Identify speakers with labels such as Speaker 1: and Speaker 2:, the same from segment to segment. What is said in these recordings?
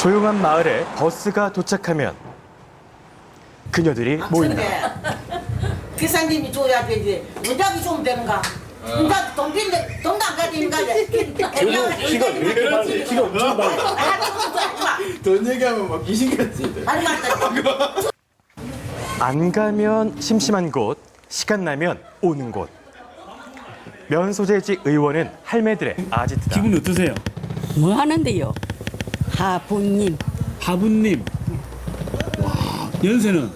Speaker 1: 조용한 마을에 버스가 도착하면 그녀들이 모인다.
Speaker 2: 기사님이 줘야 되지. 원작이 좀 되는가? 혼자 동빈데 동당 가지는가?
Speaker 3: 키가 왜 이렇게 많은데? 키가 엄청 많아. 돈 얘기하면 막 귀신같지.
Speaker 1: 안 가면 심심한 곳, 시간 나면 오는 곳. 면소재지 의원은 할매들의 아지트다.
Speaker 4: 기분 어떠세요?
Speaker 5: 뭐 하는데요? 하부님.
Speaker 4: 하부님. 와, 연세는?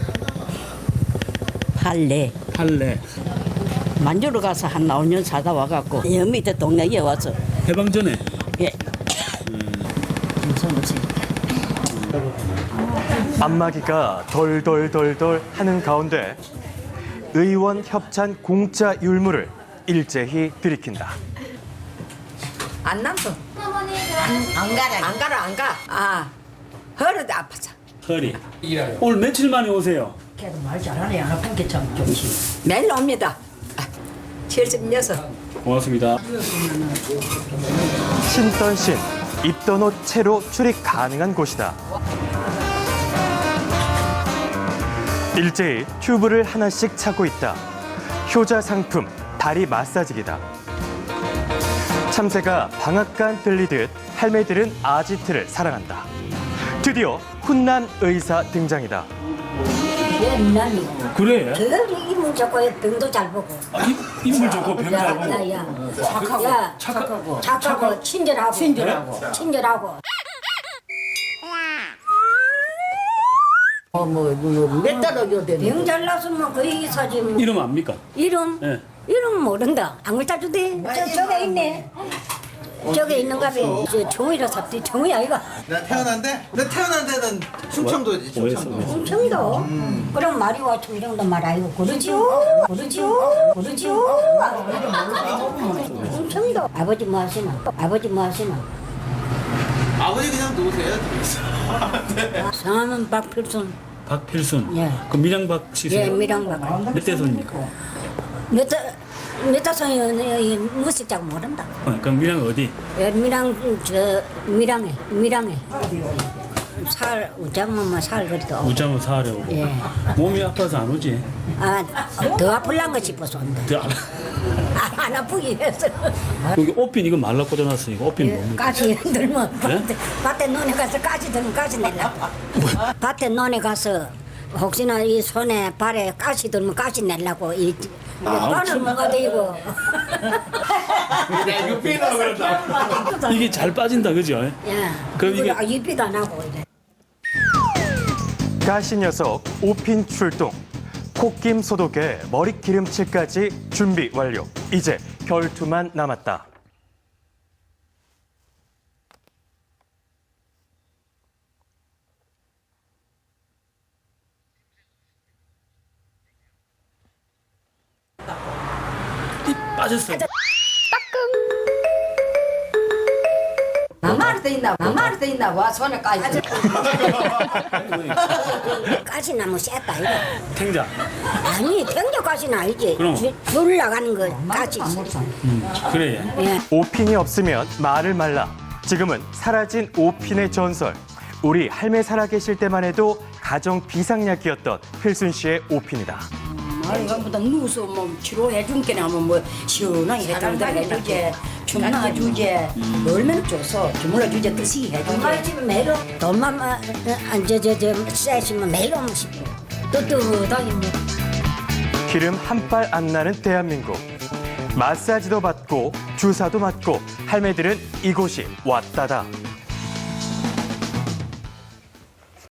Speaker 5: 할래.
Speaker 4: 할래.
Speaker 5: 만주로 가서 한 5년 살다 와갖고 여 밑에 동네에 와서
Speaker 4: 해방 전에?
Speaker 5: 예. 무슨 무슨
Speaker 1: 안마기가 덜덜덜덜 하는 가운데 의원 협찬 공짜 율무를 일제히 들이킨다.
Speaker 6: 안 남소. 안 가라. 아, 허리도 아파서.
Speaker 4: 허리. 오늘 며칠 만에 오세요?
Speaker 5: 걔도 말 잘하네. 안 아픈 게 참 좋지.
Speaker 6: 매일 옵니다. 76.
Speaker 4: 고맙습니다.
Speaker 1: 신던 신, 입던 옷 채로 출입 가능한 곳이다. 일제히 튜브를 하나씩 차고 있다. 효자 상품, 다리 마사지기다. 참새가 방앗간 들리듯 할매들은 아지트를 사랑한다. 드디어 훈남 의사 등장이다.
Speaker 5: 예, 미남이고.
Speaker 4: 그래?
Speaker 5: 저기 이문 좋고 병도 잘 보고.
Speaker 4: 인물 좋고 병 잘 보고.
Speaker 5: 야. 착하고 친절하고.
Speaker 2: 몇 달을 되는?
Speaker 5: 병 잘났으면 거의 사지. 뭐.
Speaker 4: 이름 압니까?
Speaker 5: 이름?
Speaker 4: 예.
Speaker 5: 이름 모른다. 안 글자주대. 저게 있네. 저게 있는가 봐. 저 정우이라 삽디. 정우이 아이가.
Speaker 3: 나 태어난 데는 충청도지. 충청도.
Speaker 5: 청도. 그럼 말이와 청정도 말 아이고 그러지요. 청도. 아버지 뭐 하시나?
Speaker 3: 아버지 그냥 놓으세요.
Speaker 5: 성함은 박필순.
Speaker 4: 박필순.
Speaker 5: 예.
Speaker 4: 그 밀양박
Speaker 5: 예,
Speaker 4: 씨세요?
Speaker 5: 미랑박.
Speaker 4: 몇 대손입니까?
Speaker 5: 몇 다성이 무식자고 모른다.
Speaker 4: 그럼 밀양 어디?
Speaker 5: 예, 미랑에. 살 우자면 살 그래도.
Speaker 4: 우자모 사하려고.
Speaker 5: 예.
Speaker 4: 몸이 아파서 안 오지?
Speaker 5: 더 아플란가 싶어서 온다. 안 아프기 위해서.
Speaker 4: 여기 옷핀 이거 말라 꽂아놨으니까 옷핀 뭡니까?
Speaker 5: 가시 들면
Speaker 4: 예?
Speaker 5: 밭에 논에 가서 가시 들면 가시 내려고. 밭에 논에 가서 혹시나 이 손에 발에 가시 들면 가시 내려고 이 바늘 뭐가 되고.
Speaker 3: 이거 삐나 그런다.
Speaker 4: 이게 잘 빠진다, 그죠?
Speaker 5: 예.
Speaker 4: 그럼 이게-
Speaker 5: 입비도 안 하고 이래.
Speaker 1: 가시 녀석 오핀 출동. 콧김 소독에 머리 기름칠까지 준비 완료. 이제 결투만 남았다.
Speaker 4: 빠졌어요.
Speaker 6: 나마를 돼 있나 와 손에 까지.
Speaker 5: 가시 나무 셌다 이거.
Speaker 4: 탱자.
Speaker 5: 아니 탱자 가시는 아니지.
Speaker 4: 그럼?
Speaker 5: 줄 나가는 거 가시.
Speaker 4: 그래.
Speaker 5: 예.
Speaker 1: 오핀이 없으면 말을 말라. 지금은 사라진 오핀의 전설. 우리 할매 살아계실 때만 해도 가정 비상약이었던 필순 씨의 오핀이다.
Speaker 5: 아이가보다 누워서 뭐 치료해 준 게나 뭐 시원하게 해주지 주문해 주지 얼마나 줘서 주문해 주지 뜻이 해주지 엄마 집에 매일 돈만 저저저 세시면 매일 오면 싶고 뜨뜻하게 뭐
Speaker 1: 기름 한 발 안 나는 대한민국. 마사지도 받고 주사도 맞고 할매들은 이곳이 왔다다.